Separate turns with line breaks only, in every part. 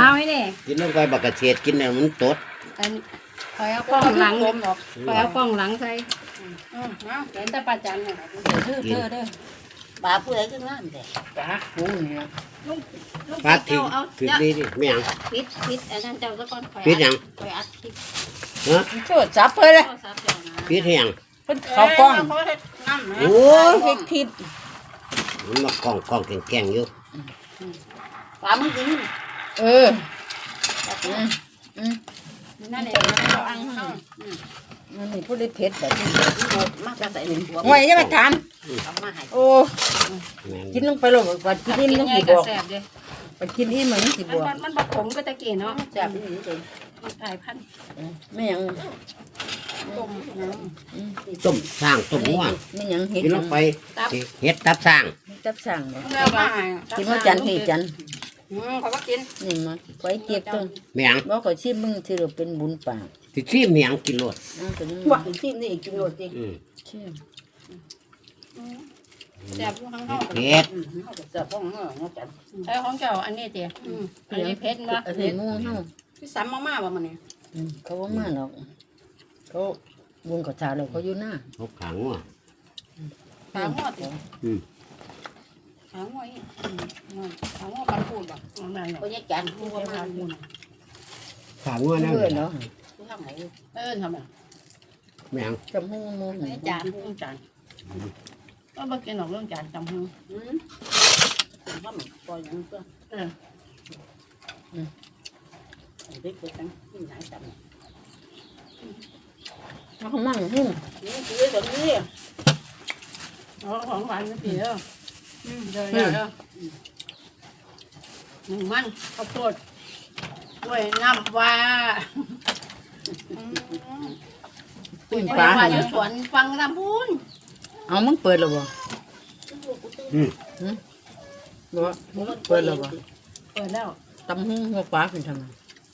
มาไว้เนี่ย
กินลงไปบักกระเฉดกินเนี่ยมันตด
อันคอยเอากล้องหลังคอยเอากล้องหลังใส่เห็นแต่ป้าจันเนี่ยเด้อปลาผู้ใดขึ้นนั่นเด้ปลาผู้เนี่ยลุง
ปลาทิ้ง
เอา
คือดีดิไม่ยัง
ปิดอันนั้นเจ้าสักก้อนคอย
ปิดยัง
คอยอัดคลิป
ฮะ
โทษจับเพิ่นเลย
โทรศัพท์เจ้านะ
ปิดให้ยัง
เพิ่นเขากล้อง
โอ้
เฮ็ดคลิป
มันมากล้องแกงๆอยู่
ปลามึงกิน
เอออืม
นั่นเองเอาอังเขา
มันมีผู้ได้เผ็ดแบบนี้
มากจะใส่หนึ่งหัว
โอ้ยอย่ามาถาม
เอามาให้
โอ้
แม่น
กินลงไปโลดว่ากินอิ่มต้องสิ
ก
บ
ระ
อก
แสบเลย
ว่ากินอิ่มมันสิบอก
มันบักผมก็ตะกี้เนาะ
แซ่บนี่จริง
มันกลายพันธุ์
ไม่หยัง
ต้มน้
ต้มสร้างต้มหัว
ไม่หยังเฮ็ด
กินลงไปเฮ็ดตับสร้าง
จับสั่งบ่
ำแล้วมาให้
กินว่าจันทร์พี่จันทร์
เขาก็กิน
นี่มาไว้เก็บตัว
ไม่ยัง
บ่ก็ชิมมึงสิเราเป็นบุญปาก
สิชิมไม่ยังกินโลด
ตัวนี้
ว่าชิมนี่กินโรตี
ชิม
แซ่บข้างนอก
เผ็ด
แซ่บของเนาะจันใช้ของเจ้าอันนี้เตี๋ยอันนี้เพชรวะ
อันนี้งูเฮา
พี่ซ้ำมากๆว่ะมันนี่
เขาบ่มาหรอกเขาบุญกับชาแล้วเขาอยู่หน้า
เขาขังว่ะ
ขาหัวเตี๋ยขาหัวอีขาหัวปันปูนป่ะนั่นเขาแยกจานหัวปันปูน
ขังว่ะนะ
เพื่อนเนาะ
ทำไหนทำไม
ไม่ยัง
จำหูมู
จานเรื่องจานก็มากินหนอกเรื่องจานจำหูทำปล่อยอย่างเพื่อเด็กเกิดกันที่ไหนจำ
เขามั่งหุ้ม
นี่คือแบบนี้ของหวานนี่เดียวเดี๋ยวหนึ่งมันข้าวโพดด้วยน้ำว่า
ปิ้ง
ป
ปลา
ลา
ให้
อยู่สวนฟังลำพูน
เอามึงเปิดแล้วบ่บ่มึงเปิดแล้วบ่
เปิดแล้ว
ตำหูหัวปลาเป็นทำไม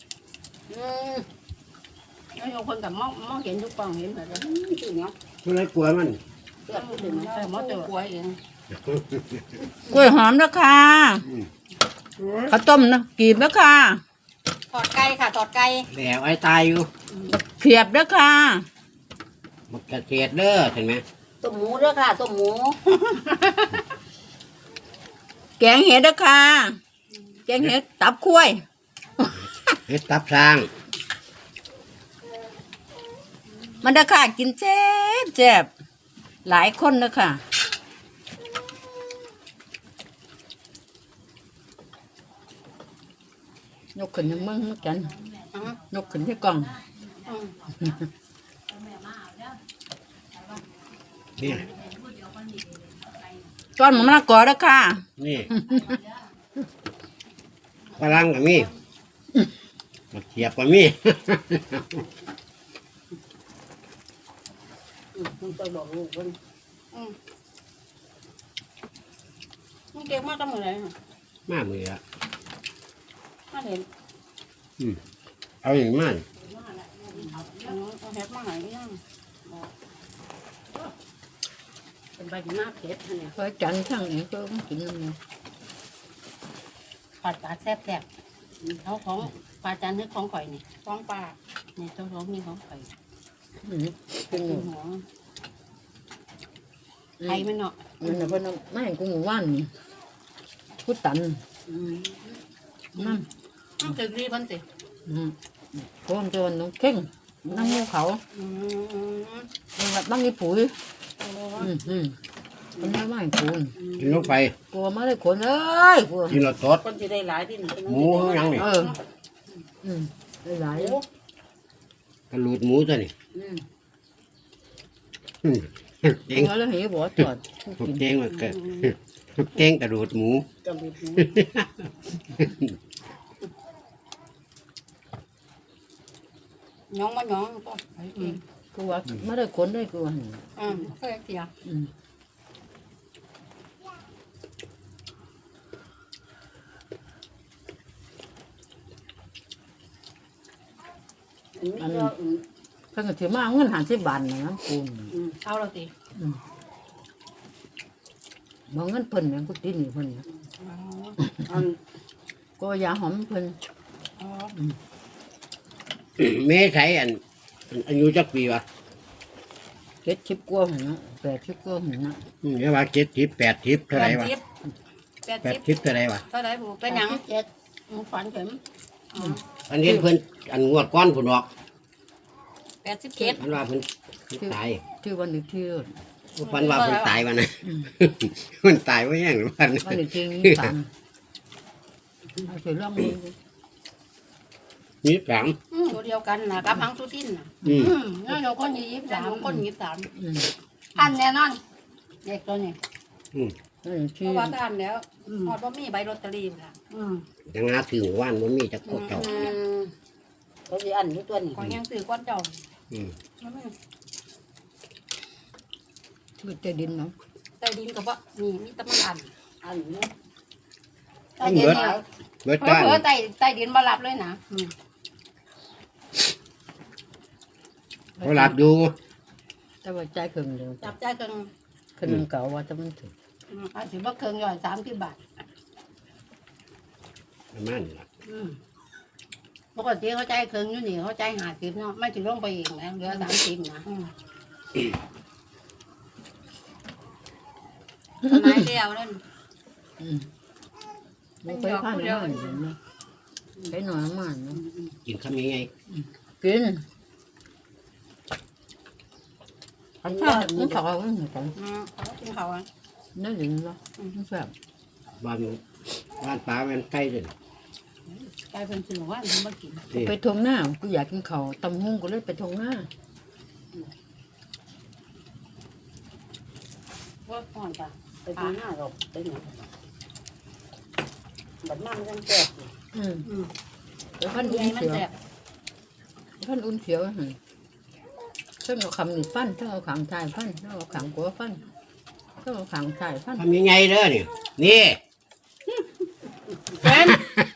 แล้ว有คนกับมองเห็นทุกกล่องเห็นแบบนี้จริงเนาะ
มันเลยกลัวมัน
เกิดถึงแต่มอเตอร์กล้วยเอง
กล้วยหอมนะค่ะข้าวต้มนะกีบนะค่ะ
ทอดไก่ค่ะทอดไก่
แล้วไอ้ตายอยู่
เพียบนะค่ะ
บักกระเฉดเด้อเห็นไหม
ต้มหมูด้วยค่ะต้มหมู
แกงเห็ดนะค่ะแกงเห็ดตับคุ้ย
เฮ็ดตับสร้าง
มันนะค่ะกินแซ่บแซ่บหลายคนนะค่ะยกขึ้นให้มึงเหมือนกันยกขึ้นที่กล่อง
นี่
ก้อนมะละกอนะค่ะ
นี่ฝรั่งก็มีบักเขียบก็มี
มันไปบอกลูกมันมันเก่งมากตั้งแต่ไหน
มามือละ
มาเห็น
เอาอย่างมัน
เอาเห็ดมาหายยังเป็นใบหน้าเผ็ดเนี่ย
เพราะจันทร์ทั้งนี้ก็กินน้ำมัน
ปลาปลาแซ่บแซ่บเขาของปลาจันทร์นี่ของข่อยนี่ของปลาเนี่ยเจ้าของนี่ของข่อย
เป็นหมู
หัวไข่มันเนาะ
มันน่ะเพิ่นเอาไม่กูหมู่บ้านนี่กูตันนั่น
ต้องตึกรีบันสิ
โคนโจนน้องเข่งนั่งงูเขามันแบบนั่งยี่ปุ๋ยมันไม่ไม่กูน
กินลงไป
กลัวมาเลยคนเอ้ยกลัว
กินและตด
คนจะได้หลายที่หนึ่ง
หมูข้างหลังนี่
ได้หลาย
กระลูดหมูตัวนี่เก่ง
กลัวแล้วเหี้ยบ่จอด
เก่งมากเกิดเก่งกระดูดหมู
กำลังน้องมาน้องก็ไปเอง
กูว่าไม่ได้คนได้กูว่า
เคยเสียอันนี้
เพิ่งก็ถือมาเงิน50 บาทนะกู
เอาเราสิ
บ่เงินเพิ่นแม่งกูติดหนี่เพิ่นก็ยาหอมเพิ่น
อ๋อ
เมย์ใช้อายุจักปีวะ
70 กว่าหั่นเนาะ80 กว่าหั่นเนาะ
เรียกว่า70 80เท่าไหร่วะ
80
80เท่าไหร่วะ
เท่าไหร่บุเป็นหยังเจ็ดฝันเข็ม
อันนี้เพิ่นงวดก้อนผุนออก
87
อันว่าเพิ่นตาย
ชื่อวันนี้ชื่อ
ฝันว่าเพิ่นตายวันนั้นเพิ่นตายว่าแห้งหรือวัน
วันนี้ชื่อนี้ฟังเอาสิลองดู
นี่สาม
ตัวเดียวกันนะกับพังสุทินน่ะนั่นเราคน23คน23
อืม
อันแน่นอนเด็กตัวนี้
อันนี้
เพ
ชื่อ
ราะว่าท่านแล้วพอบ่มีใบลอตเตอรี่ค่ะ
ยังหาถือว่านบ่มีจักโคตรเจ้า
เขาสิอันอยู่ตัวนี้ก็ยังซื้อก้อนเจ้า
อืม
ชื่อเจดินเนาะ
ใต้ดินก็บ่มีแต่มันอันนี้ใต้
มัน
ดิน
เบิด
เนี่ย
เบิด
เผ
ต้าน
ลอๆใต้ดินบ่รับเลยนะ
เขาหลับอยู่
แต่ว่าใจายครึ่งเดียว
จับใจกัน
ครึ่งหนึ่งเก่าว่าจะมันถึง
อาจสิบ่เคิงย่อย30 บาท
ประมาณนี้ล่ะ
ปกติเขาใจายเคิงอยู่นี่เขาใจาย50เนาะไม่ถึงลงไปอีกนะเหลือ30นะสมัยเดียวนั่น
มันเคยผ่านมาอยู่เนาะใช้หน่อยมันเนาะ
กินคำยังไง
กินอันชาติมันเขาเอาไว้เหมือนกัน
เขากินเขาอ่ะ
นั่นเองเนาะมันแบบ
บ้านปลาแม่นไก่เด้อก
ลายเป็นสื่อว่ามันบ่กิน
นี่
ไปทงหน้ากูอยากกินเขาวตำหุ้งก็เลยไปทงหน้า
ว่าก่อนจ้ะไปดูหน้าเราไปหนูบัดมันยังแก่อยู่
แล้วพัน
ให
อุ่
ญ่
น
มัน
เขียว
แสบ
พันอุ่นเขียวหั่นถ้าเอาคำนี่ฟันถ้าเอาขางชายฟันถ้าเอาขางกัวฟันถ้าเอาขางชายฟัน
ทำยังไงเด้อนี่นี่
เป็น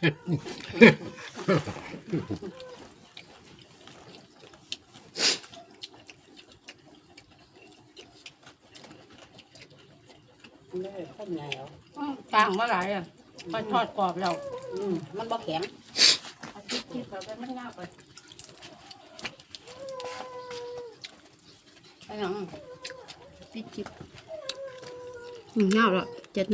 ข้นใหญ่แล้วกลางเมื่อไหร่อ่ะไปทอดกรอบแล้วมันบ่แข็งเอาคิดๆเราไปมันยากไปไปหยังติดจิบยากแล้ว